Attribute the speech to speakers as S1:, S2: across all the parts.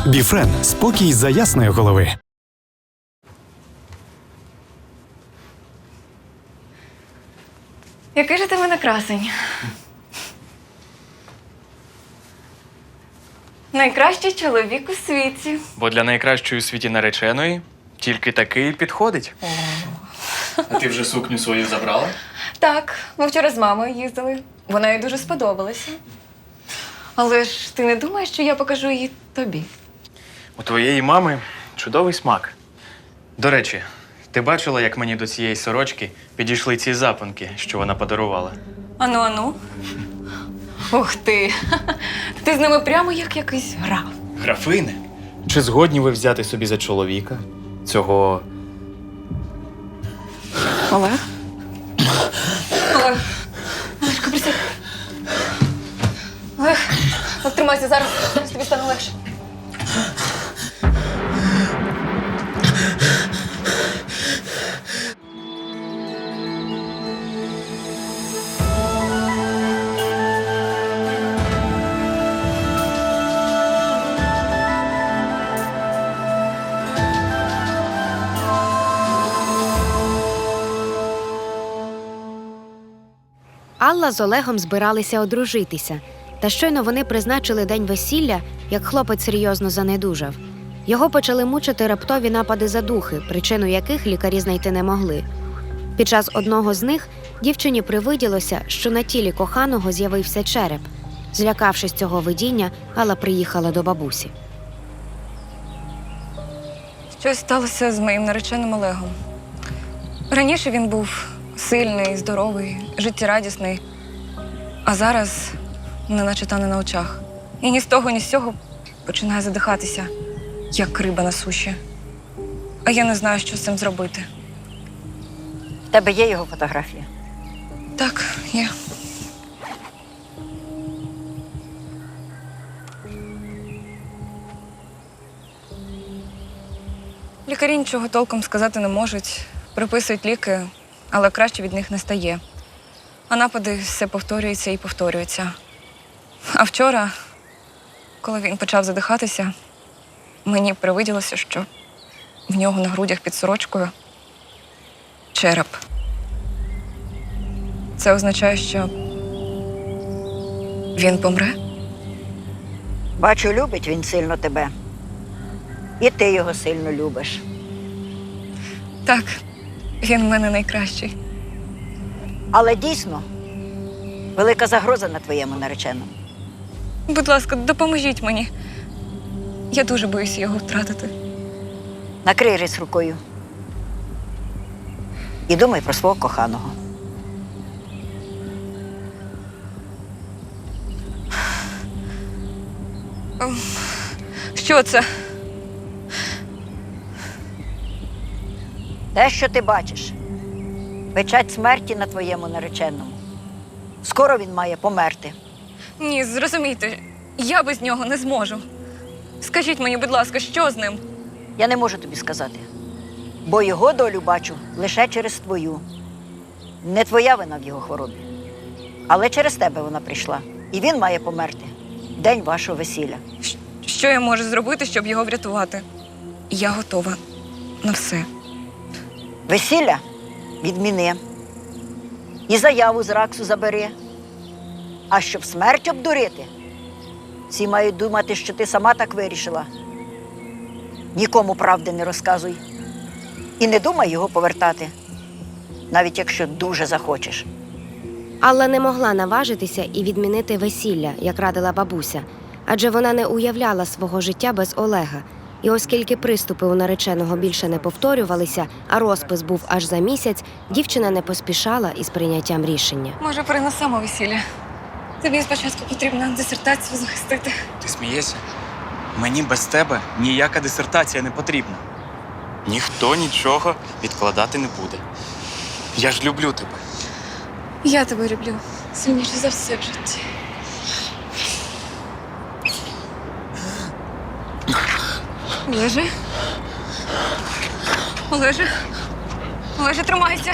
S1: Біфрен – спокій за ясної голови.
S2: Який же ти в мене красень? Найкращий чоловік у світі.
S3: Бо для найкращої у світі нареченої тільки такий підходить. А ти вже сукню свою забрала?
S2: Так, ми вчора з мамою їздили. Вона їй дуже сподобалася. Але ж ти не думаєш, що я покажу її тобі?
S3: У твоєї мами чудовий смак. До речі, ти бачила, як мені до цієї сорочки підійшли ці запонки, що вона подарувала?
S2: Ану. Ух ти! Ти з ними прямо як якийсь граф.
S3: Графини? Чи згодні ви взяти собі за чоловіка цього...
S2: Олег? Олежко, присядь. Олег, тримайся, зараз тобі стане легше.
S4: Алла з Олегом збиралися одружитися. Та щойно вони призначили день весілля, як хлопець серйозно занедужав. Його почали мучити раптові напади задухи, причину яких лікарі знайти не могли. Під час одного з них дівчині привиділося, що на тілі коханого з'явився череп. Злякавшись цього видіння, Алла приїхала до бабусі.
S2: Щось сталося з моїм нареченим Олегом. Раніше він був сильний, здоровий, життєрадісний, а зараз неначе тане на очах. І ні з того, ні з цього починає задихатися, як риба на суші. А я не знаю, що з цим зробити.
S5: В тебе є його фотографія?
S2: Так, є. Лікарі нічого толком сказати не можуть. Приписують ліки, але краще від них не стає. А напади все повторюються і повторюються. А вчора, коли він почав задихатися, мені привиділося, що в нього на грудях під сорочкою череп. Це означає, що він помре?
S5: Бачу, любить він сильно тебе. І ти його сильно любиш.
S2: Так, він в мене найкращий.
S5: Але дійсно, велика загроза на твоєму нареченому.
S2: Будь ласка, допоможіть мені. Я дуже боюся його втратити.
S5: Накрий рис рукою. І думай про свого коханого.
S2: Що це?
S5: Те, що ти бачиш, печать смерті на твоєму нареченому. Скоро він має померти.
S2: Ні, зрозумійте, я без нього не зможу. Скажіть мені, будь ласка, що з ним?
S5: Я не можу тобі сказати, бо його долю бачу лише через твою. Не твоя вина в його хворобі, але через тебе вона прийшла. І він має померти в день вашого весілля.
S2: Що я можу зробити, щоб його врятувати? Я готова на все.
S5: Весілля відміни. І заяву з РАКСу забери. А щоб смерть обдурити, всі мають думати, що ти сама так вирішила. Нікому правди не розказуй. І не думай його повертати, навіть якщо дуже захочеш.
S4: Алла не могла наважитися і відмінити весілля, як радила бабуся, адже вона не уявляла свого життя без Олега. І оскільки приступи у нареченого більше не повторювалися, а розпис був аж за місяць, дівчина не поспішала із прийняттям рішення.
S2: Може, перенесемо весілля? Тобі спочатку потрібно дисертацію захистити.
S3: Ти смієшся? Мені без тебе ніяка дисертація не потрібна. Ніхто нічого відкладати не буде. Я ж люблю тебе.
S2: Я тебе люблю сильніше за все в житті. Олеже? Олеже? Олеже, тримайся!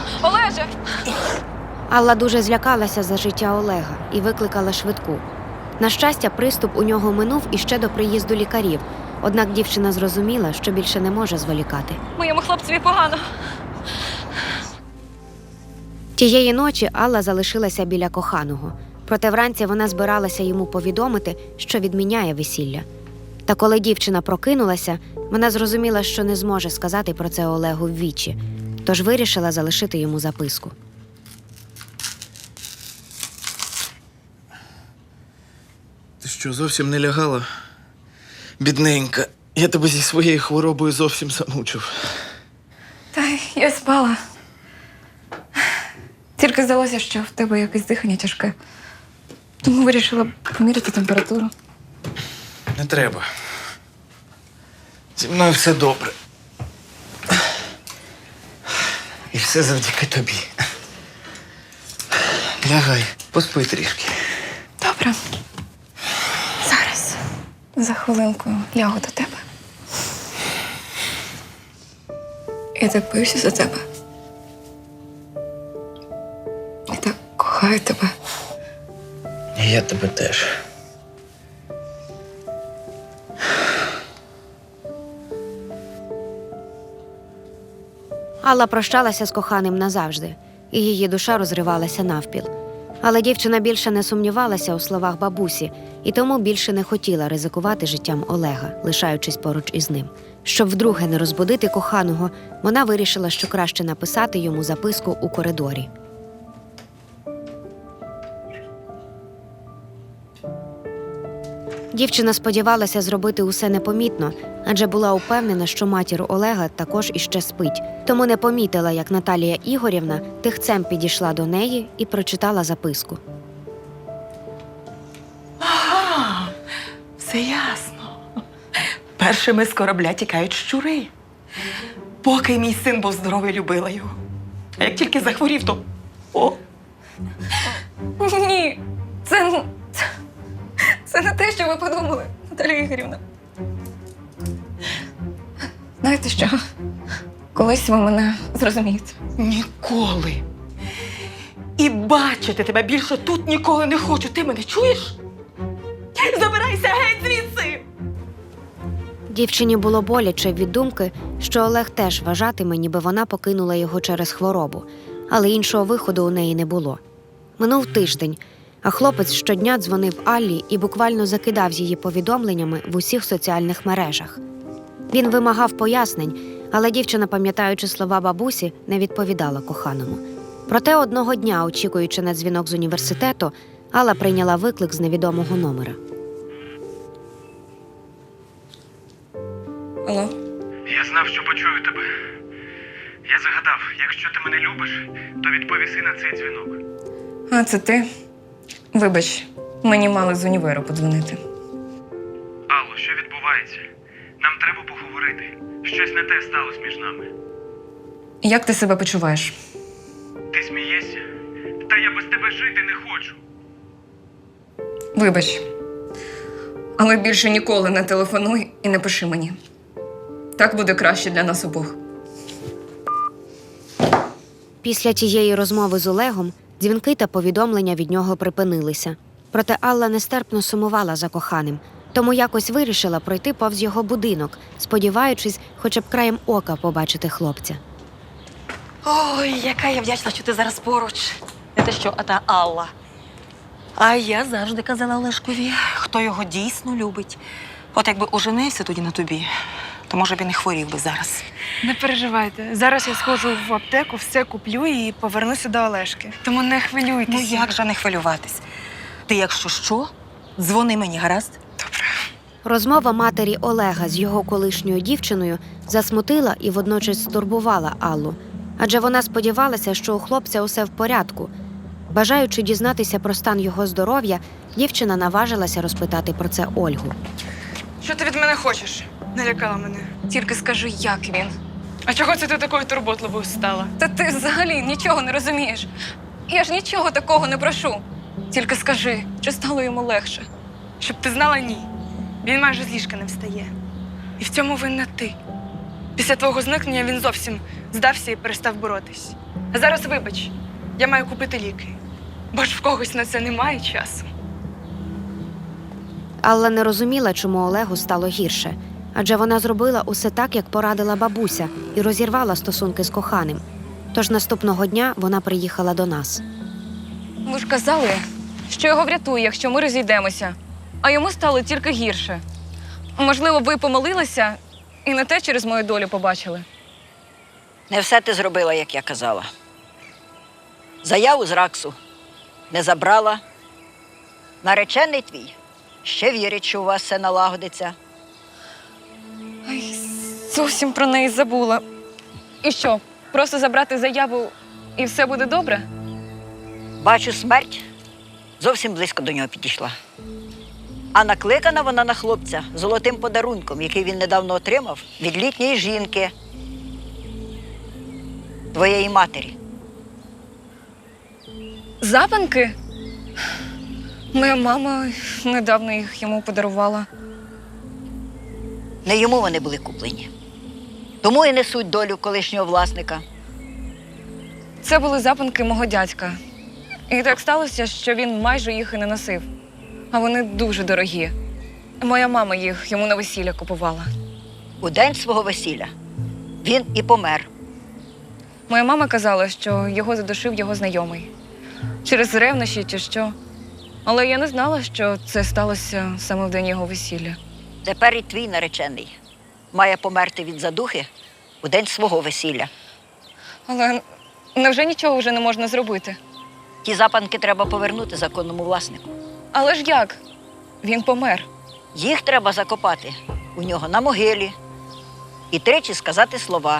S2: Олеже!
S4: Алла дуже злякалася за життя Олега і викликала швидку. На щастя, приступ у нього минув іще до приїзду лікарів, однак дівчина зрозуміла, що більше не може зволікати.
S2: Моєму хлопцеві погано.
S4: Тієї ночі Алла залишилася біля коханого. Проте вранці вона збиралася йому повідомити, що відміняє весілля. Та коли дівчина прокинулася, вона зрозуміла, що не зможе сказати про це Олегу ввічі, тож вирішила залишити йому записку.
S6: Ти що, зовсім не лягала? Бідненька, я тебе зі своєю хворобою зовсім замучив.
S2: Та я спала. Тільки здалося, що в тебе якесь дихання тяжке. Тому вирішила поміряти температуру.
S6: Не треба. Зі мною все добре. І все завдяки тобі. Лягай, поспи трішки.
S2: Добре. Зараз. За хвилинку лягу до тебе. Я так боюся за тебе. Я так кохаю тебе.
S6: І я тебе теж.
S4: Алла прощалася з коханим назавжди, і її душа розривалася навпіл. Але дівчина більше не сумнівалася у словах бабусі, і тому більше не хотіла ризикувати життям Олега, лишаючись поруч із ним. Щоб вдруге не розбудити коханого, вона вирішила, що краще написати йому записку у коридорі. Дівчина сподівалася зробити усе непомітно, адже була упевнена, що матір Олега також іще спить. Тому не помітила, як Наталія Ігорівна тихцем підійшла до неї і прочитала записку.
S7: Ага, все ясно. Першими з корабля тікають щури. Поки мій син був здоровий, любила його. А як тільки захворів, то... О,
S2: Ні, це не те, що ви подумали, Наталія Ігорівна. Знаєте що? Колись ви мене зрозумієте.
S7: ніколи. І бачити тебе більше тут ніколи не хочу. Ти мене чуєш? Забирайся геть звідси!
S4: Дівчині було боляче від думки, що Олег теж вважатиме, ніби вона покинула його через хворобу, але іншого виходу у неї не було. Минув тиждень, а хлопець щодня дзвонив Аллі і буквально закидав її повідомленнями в усіх соціальних мережах. Він вимагав пояснень, але дівчина, пам'ятаючи слова бабусі, не відповідала коханому. Проте одного дня, очікуючи на дзвінок з університету, Алла прийняла виклик з невідомого номера.
S2: Алло?
S8: Я знав, що почую тебе. Я загадав, якщо ти мене любиш, то відповіси на цей дзвінок.
S2: А, це ти? Вибач, мені мали з універу подзвонити.
S8: Алло, що відбувається? Нам треба поговорити. Щось не те сталося між нами.
S2: Як ти себе почуваєш?
S8: Ти смієшся? Та я без тебе жити не хочу.
S2: Вибач, але більше ніколи не телефонуй і не пиши мені. Так буде краще для нас обох.
S4: Після тієї розмови з Олегом дзвінки та повідомлення від нього припинилися. Проте Алла нестерпно сумувала за коханим, тому якось вирішила пройти повз його будинок, сподіваючись хоча б краєм ока побачити хлопця.
S7: Ой, яка я вдячна, що ти зараз поруч. Не те що, а та Алла. А я завжди казала Олешкові, хто його дійсно любить. От якби оженився тоді на тобі, то, може, він і хворів би зараз.
S9: Не переживайте. Зараз я сходжу в аптеку, все куплю і повернуся до Олешки. Тому не хвилюйтесь.
S7: Ну як же не хвилюватись? Ти, якщо що, дзвони мені, гаразд?
S4: Розмова матері Олега з його колишньою дівчиною засмутила і водночас стурбувала Аллу. Адже вона сподівалася, що у хлопця усе в порядку. Бажаючи дізнатися про стан його здоров'я, дівчина наважилася розпитати про це Ольгу.
S9: Що ти від мене хочеш? Налякала мене.
S2: Тільки скажи, як він.
S9: А чого це ти такою турботливою стала?
S2: Та ти взагалі нічого не розумієш. Я ж нічого такого не прошу. Тільки скажи, чи стало йому легше?
S9: Щоб ти знала, ні. Він майже з ліжка не встає. І в цьому винна ти. Після твого зникнення він зовсім здався і перестав боротись. А зараз вибач, я маю купити ліки. Бо ж в когось на це немає часу.
S4: Алла не розуміла, чому Олегу стало гірше, адже вона зробила усе так, як порадила бабуся, і розірвала стосунки з коханим. Тож наступного дня вона приїхала до нас.
S2: Ви ж казали, що його врятує, якщо ми розійдемося. А йому стало тільки гірше. Можливо, ви помилилися і не те через мою долю побачили.
S5: Не все ти зробила, як я казала. Заяву з РАКСу не забрала. Наречений твій ще вірить, що у вас все налагодиться.
S2: Ай, зовсім про неї забула. І що, просто забрати заяву і все буде добре?
S5: Бачу, смерть зовсім близько до нього підійшла. А накликана вона на хлопця золотим подарунком, який він недавно отримав від літньої жінки, твоєї матері.
S2: Запанки? Моя мама недавно їх йому подарувала.
S5: Не йому вони були куплені. Тому і несуть долю колишнього власника.
S2: Це були запанки мого дядька. І так сталося, що він майже їх і не носив. А вони дуже дорогі. Моя мама їх йому на весілля купувала.
S5: У день свого весілля він і помер.
S2: Моя мама казала, що його задушив його знайомий. Через ревнощі чи що. Але я не знала, що це сталося саме в день його весілля.
S5: Тепер і твій наречений має померти від задухи у день свого весілля.
S2: Але невже нічого вже не можна зробити?
S5: Ті запанки треба повернути законному власнику.
S2: Але ж як? Він помер.
S5: Їх треба закопати у нього на могилі і тричі сказати слова.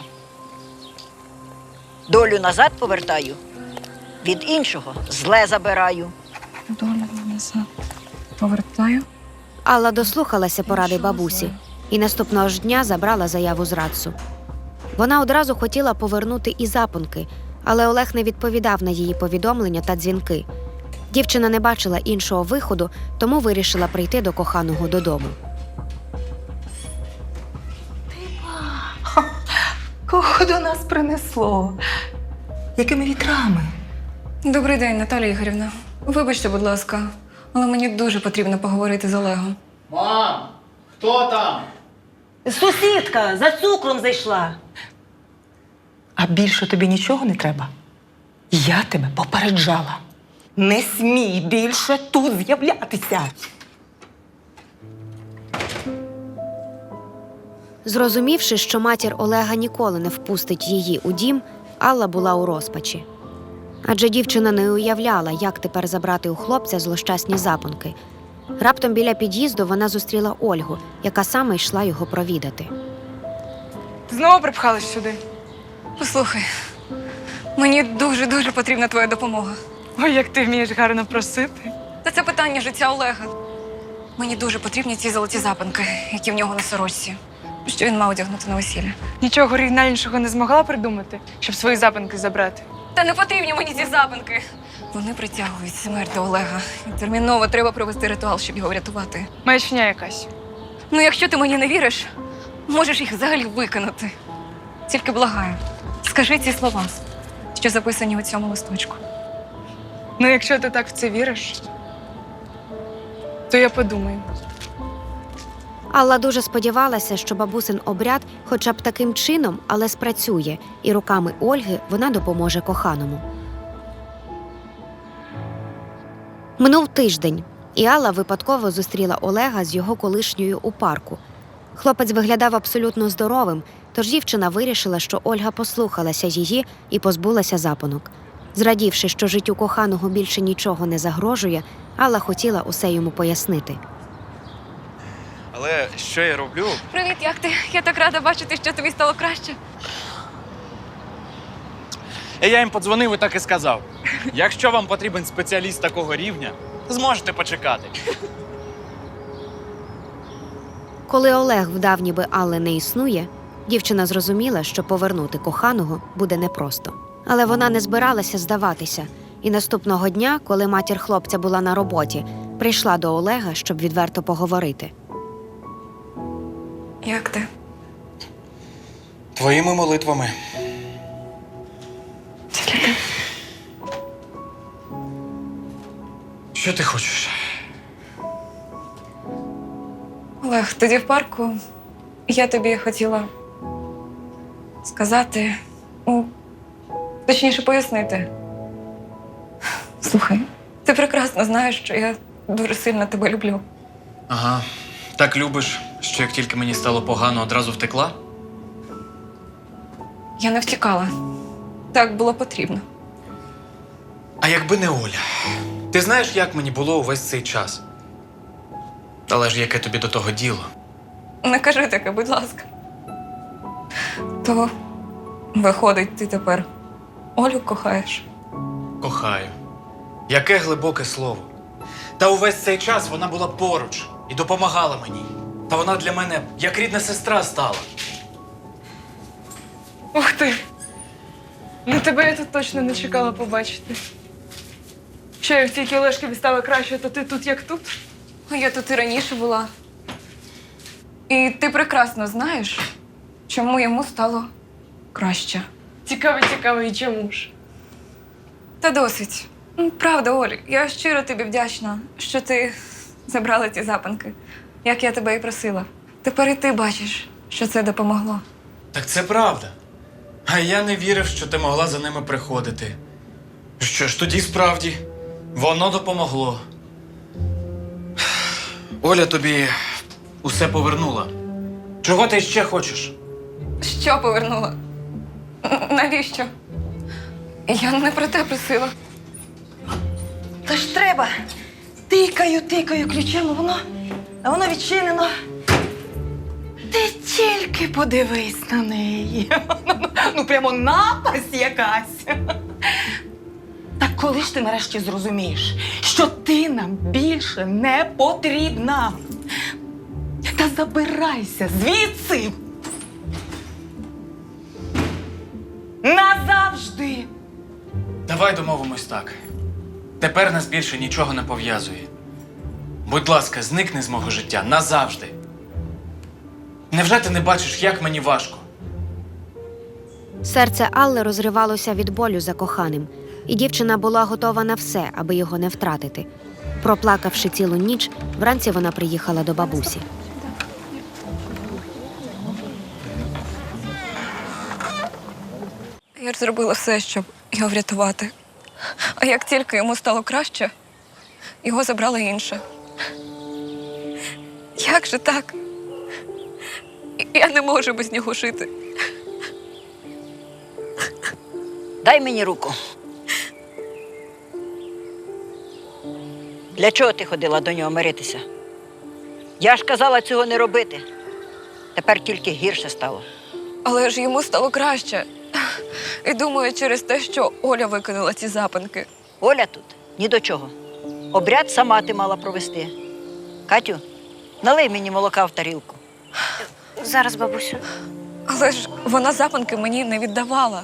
S5: Долю назад повертаю, від іншого зле забираю.
S2: Доля назад повертаю.
S4: Алла дослухалася поради бабусі і наступного ж дня забрала заяву з РАЦу. Вона одразу хотіла повернути і запонки, але Олег не відповідав на її повідомлення та дзвінки. Дівчина не бачила іншого виходу, тому вирішила прийти до коханого додому.
S7: Кого до нас принесло? Якими вітрами?
S2: Добрий день, Наталія Ігорівна. Вибачте, будь ласка, але мені дуже потрібно поговорити з Олегом.
S10: Мам, хто там?
S7: Сусідка за цукром зайшла. А більше тобі нічого не треба? Я тебе попереджала. Не смій більше тут з'являтися.
S4: Зрозумівши, що матір Олега ніколи не впустить її у дім, Алла була у розпачі. Адже дівчина не уявляла, як тепер забрати у хлопця злощасні запонки. Раптом біля під'їзду вона зустріла Ольгу, яка саме йшла його провідати.
S9: Знову припхалась сюди.
S2: Послухай, мені дуже-дуже потрібна твоя допомога.
S9: Ой, як ти вмієш гарно просити.
S2: Та це питання життя Олега. Мені дуже потрібні ці золоті запанки, які в нього на сорочці, що він мав одягнути на весілля.
S9: Нічого оригінальнішого не змогла придумати, щоб свої запанки забрати.
S2: Та не потрібні мені ці запанки. Вони притягують смерть до Олега. І терміново треба провести ритуал, щоб його врятувати.
S9: Маячня якась.
S2: Ну, якщо ти мені не віриш, можеш їх взагалі викинути. Тільки благаю, скажи ці слова, що записані у цьому листочку.
S9: Ну, якщо ти так в це віриш, то я подумаю.
S4: Алла дуже сподівалася, що бабусин обряд хоча б таким чином, але спрацює, і руками Ольги вона допоможе коханому. Минув тиждень, і Алла випадково зустріла Олега з його колишньою у парку. Хлопець виглядав абсолютно здоровим, тож дівчина вирішила, що Ольга послухалася її і позбулася запонок. Зрадівши, що життю коханого більше нічого не загрожує, Алла хотіла усе йому пояснити.
S3: Але що я роблю?
S2: Привіт, як ти? Я так рада бачити, що тобі стало краще.
S3: Я їм подзвонив і так і сказав. Якщо вам потрібен спеціаліст такого рівня, зможете почекати.
S4: Коли Олег вдав, ніби Алли не існує, дівчина зрозуміла, що повернути коханого буде непросто. Але вона не збиралася здаватися. І наступного дня, коли матір хлопця була на роботі, прийшла до Олега, щоб відверто поговорити.
S2: Як ти?
S3: Твоїми молитвами. Що ти хочеш?
S2: Олег, тоді в парку я тобі хотіла сказати, точніше пояснити. Слухай, ти прекрасно знаєш, що я дуже сильно тебе люблю.
S3: Ага. Так любиш, що як тільки мені стало погано, одразу втекла?
S2: Я не втікала. Так було потрібно.
S3: А якби не Оля? Ти знаєш, як мені було увесь цей час? Але ж яке тобі до того діло?
S2: Не кажи таке, будь ласка. То, виходить, ти тепер Олю кохаєш?
S3: Кохаю. Яке глибоке слово. Та увесь цей час вона була поруч і допомагала мені. Та вона для мене як рідна сестра стала.
S9: Ух ти! Ну тебе я тут точно не чекала побачити. Що, як тільки Олешкові стало краще, то ти тут як тут?
S2: А я тут і раніше була. І ти прекрасно знаєш, чому йому стало краще.
S9: Цікаво, і чому ж?
S2: Та досить. Правда, Оль, я щиро тобі вдячна, що ти забрала ті запанки, як я тебе і просила. Тепер і ти бачиш, що це допомогло.
S3: Так це правда. А я не вірив, що ти могла за ними приходити. Що ж, тоді справді, воно допомогло. Оля тобі усе повернула. Чого ти ще хочеш?
S2: Що повернула? Навіщо? Я не про те просила.
S7: Та ж треба. Тикаю ключем, а воно відчинено. Ти тільки подивись на неї. Ну, прямо напасть якась. Так коли ж ти нарешті зрозумієш, що ти нам більше не потрібна? Та забирайся звідси. Назавжди.
S3: Давай домовимось так. Тепер нас більше нічого не пов'язує. Будь ласка, зникни з мого життя назавжди. Невже ти не бачиш, як мені важко?
S4: Серце Алли розривалося від болю за коханим, і дівчина була готова на все, аби його не втратити. Проплакавши цілу ніч, вранці вона приїхала до бабусі.
S2: Я ж зробила все, щоб його врятувати. А як тільки йому стало краще, його забрала інша. Як же так? Я не можу без нього жити.
S5: Дай мені руку. Для чого ти ходила до нього миритися? Я ж казала цього не робити. Тепер тільки гірше стало.
S2: Але ж йому стало краще. І думаю, через те, що Оля викинула ці запанки.
S5: Оля тут ні до чого. Обряд сама ти мала провести. Катю, налий мені молока в тарілку.
S4: Зараз, бабусю.
S2: Але ж вона запанки мені не віддавала.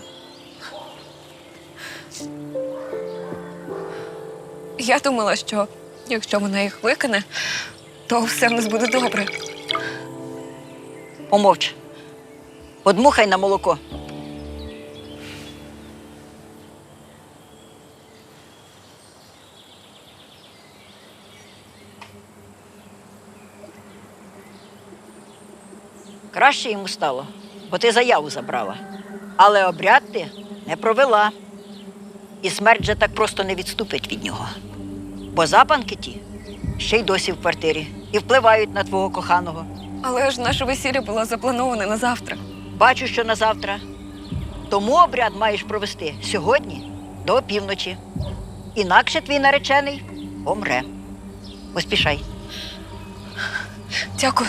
S2: Я думала, що якщо вона їх викине, то все в нас буде добре.
S5: Помовч. Одмухай на молоко. Краще йому стало, бо ти заяву забрала. Але обряд ти не провела. І смерть же так просто не відступить від нього. Бо запанки ті ще й досі в квартирі і впливають на твого коханого.
S2: Але ж наше весілля було заплановане на завтра.
S5: Бачу, що на завтра. Тому обряд маєш провести сьогодні до опівночі. Інакше твій наречений помре. Поспішай.
S2: Дякую.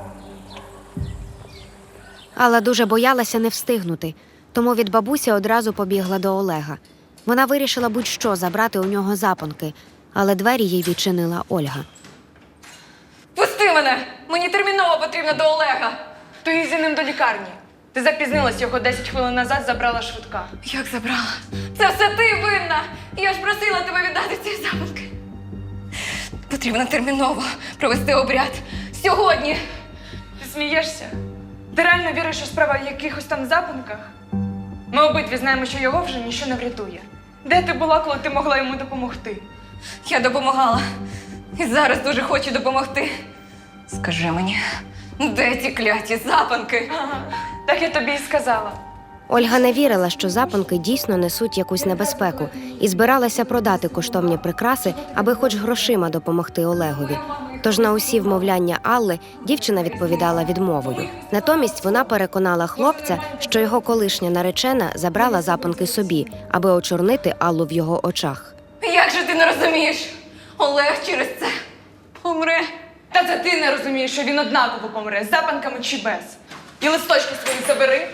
S4: Алла дуже боялася не встигнути, тому від бабусі одразу побігла до Олега. Вона вирішила будь-що забрати у нього запонки, але двері їй відчинила Ольга.
S2: Пусти мене! Мені терміново потрібно до Олега.
S9: То їдь за ним до лікарні. Ти запізнилась, його 10 хвилин назад забрала швидка.
S2: Як забрала? Це все ти винна! Я ж просила тебе віддати ці запанки. Потрібно терміново провести обряд. Сьогодні!
S9: Ти смієшся? Ти реально віриш, що справа в якихось там запанках? Ми обидві знаємо, що його вже ніщо не врятує. Де ти була, коли ти могла йому допомогти?
S2: Я допомагала. І зараз дуже хочу допомогти. Скажи мені, де ті кляті запанки?
S9: Так я тобі і сказала.
S4: Ольга не вірила, що запанки дійсно несуть якусь небезпеку, і збиралася продати коштовні прикраси, аби хоч грошима допомогти Олегові. Тож на усі вмовляння Алли дівчина відповідала відмовою. Натомість вона переконала хлопця, що його колишня наречена забрала запанки собі, аби очорнити Аллу в його очах.
S2: Як же ти не розумієш? Олег через це помре.
S9: Та це ти не розумієш, що він однаково помре, з запанками чи без. І листочки свої забери.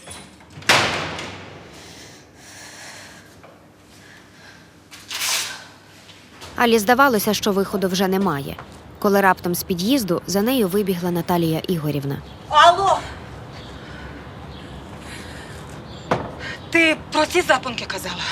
S4: Алі здавалося, що виходу вже немає. Коли раптом з під'їзду за нею вибігла Наталія Ігорівна.
S7: Алло! Ти про ці запонки казала?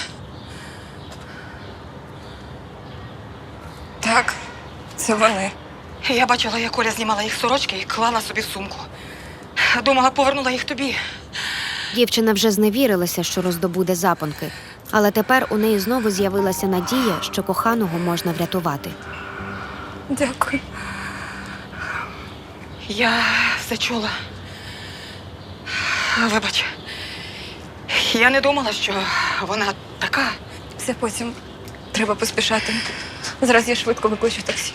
S2: Так, це вони.
S7: Я бачила, як Оля знімала їх сорочки і клала собі в сумку. Думала, повернула їх тобі.
S4: Дівчина вже зневірилася, що роздобуде запонки, але тепер у неї знову з'явилася надія, що коханого можна врятувати.
S2: Дякую.
S7: Я все чула. Вибач. Я не думала, що вона така.
S2: Все потім. Треба поспішати. Зараз я швидко викличу таксі.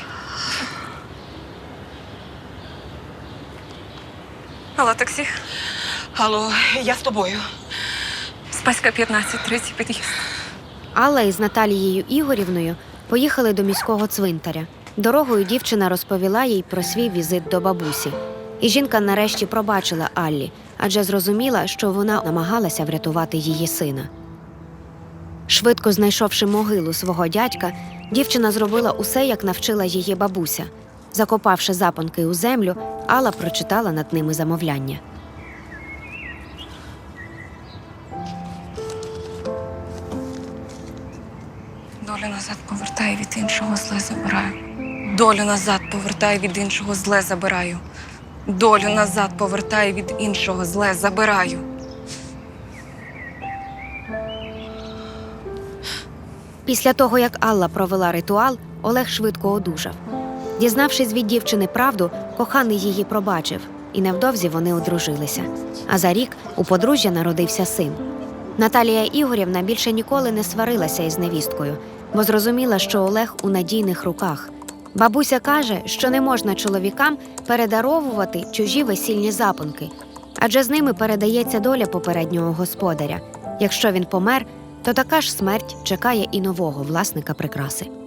S2: Алло, таксі.
S7: Алло, я з тобою.
S2: Спаська 15-30 під'їзд.
S4: Алла із Наталією Ігорівною поїхали до міського цвинтаря. Дорогою дівчина розповіла їй про свій візит до бабусі. І жінка нарешті пробачила Аллі, адже зрозуміла, що вона намагалася врятувати її сина. Швидко знайшовши могилу свого дядька, дівчина зробила усе, як навчила її бабуся. Закопавши запонки у землю, Алла прочитала над ними замовляння.
S2: Долю назад повертаю, від іншого зле забираю. Долю назад повертаю, від іншого зле забираю. Долю назад повертаю, від іншого зле забираю.
S4: Після того, як Алла провела ритуал, Олег швидко одужав. Дізнавшись від дівчини правду, коханий її пробачив, і невдовзі вони одружилися. А за рік у подружжя народився син. Наталія Ігорівна більше ніколи не сварилася із невісткою, бо зрозуміла, що Олег у надійних руках. Бабуся каже, що не можна чоловікам передаровувати чужі весільні запонки, адже з ними передається доля попереднього господаря. Якщо він помер, то така ж смерть чекає і нового власника прикраси.